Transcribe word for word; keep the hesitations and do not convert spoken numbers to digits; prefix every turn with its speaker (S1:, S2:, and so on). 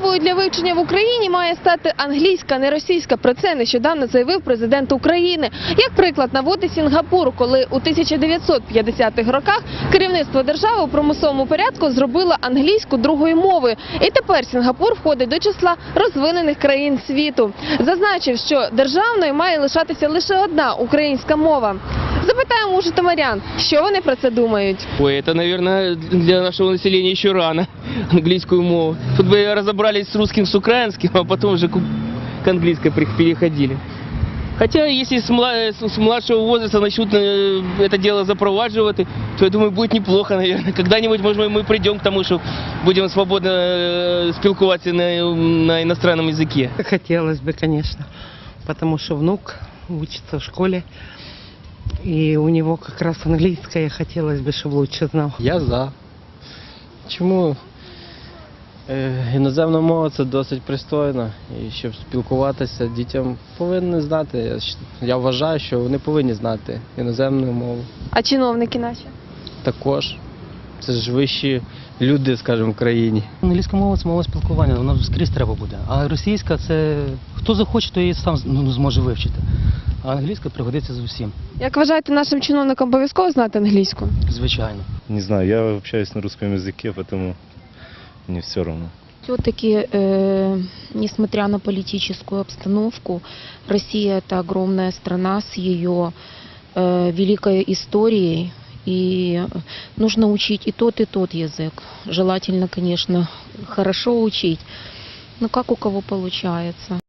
S1: мовою для вивчення в Україні має стати англійська, не російська. Про це нещодавно заявив президент України. Як приклад наводить Сінгапур, коли у тисяча дев'ятсот п'ятдесятих роках керівництво держави у примусовому порядку зробило англійську другою мовою. І тепер Сінгапур входить до числа розвинених країн світу. Зазначив, що державною має лишатися лише одна українська мова. Запитаємо у житомирян, що вони про це думають.
S2: Ой, это, наверное, для нашего населения еще рано, английскую мову. Тут бы разобрались с русским, с украинским, а потом уже к английской переходили. Хотя, если с младшего возраста начнут это дело запровадживать, то, я думаю, будет неплохо, наверное. Когда-нибудь, может быть, мы придем к тому, что будем свободно спілкуватися на, на иностранном языке.
S3: Хотелось бы, конечно, потому что внук учится в школе, и у него как раз английское хотелось бы, чтобы лучше знал.
S4: Я за. Чому? Е, іноземна мова – це досить пристойно, і щоб спілкуватися, дітям повинні знати. Я, щ- я вважаю, що вони повинні знати іноземну мову.
S1: А чиновники наші?
S4: Також. Це ж вищі люди, скажімо, в країні.
S5: Англійська мова – це мова спілкування, вона скрізь треба буде. А російська – це хто захоче, то її сам ну, зможе вивчити. А англійська пригодиться з усім,
S1: Як вважаєте, нашим чиновникам обов'язково знати англійську?
S5: звичайно.
S6: Не знаю, я общаюсь на русском языке, поэтому мне все равно.
S7: Все-таки, э, несмотря на политическую обстановку, Россия – это огромная страна с ее э, великой историей, и нужно учить и тот, и тот язык. Желательно, конечно, хорошо учить, но как у кого получается.